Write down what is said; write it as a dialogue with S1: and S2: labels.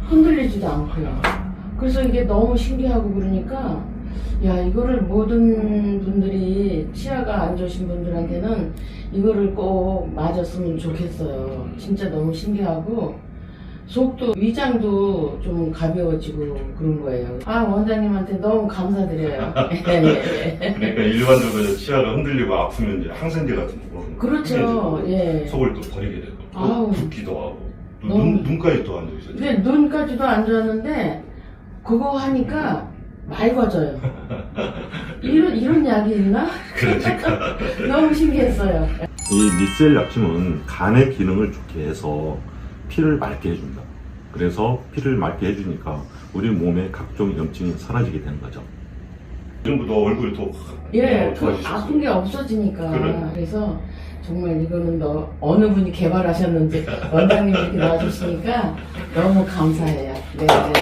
S1: 흔들리지도 않고요. 그래서 이게 너무 신기하고 그러니까 야, 이거를 모든 분들이 치아가 안 좋으신 분들한테는 이거를 꼭 맞았으면 좋겠어요. 진짜 너무 신기하고 속도, 위장도 좀 가벼워지고 그런 거예요. 아, 원장님한테 너무 감사드려요.
S2: 그러니까 일반적으로 치아가 흔들리고 아프면 이제 항생제 같은 거 먹으면
S1: 그렇죠. 예.
S2: 속을 또 버리게 되고
S1: 아우.
S2: 또 붓기도 하고 또
S1: 너무-
S2: 눈까지 또 안 좋으셔.
S1: 근데 눈까지도 안 좋았는데 그거 하니까 맑아져요. 이런 약이 있나?
S2: 그러니까
S1: 너무 신기했어요.
S3: 이 미셀 약침은 간의 기능을 좋게 해서 피를 맑게 해준다. 그래서 피를 맑게 해주니까 우리 몸의 각종 염증이 사라지게 되는 거죠.
S2: 전부도 얼굴이 또
S1: 예, 그
S2: 좋아지셨어요.
S1: 아픈 게 없어지니까.
S2: 그래.
S1: 그래서 정말 이거는 어느 분이 개발하셨는지 원장님이 이렇게 놔주시니까 너무 감사해요. 네. 네.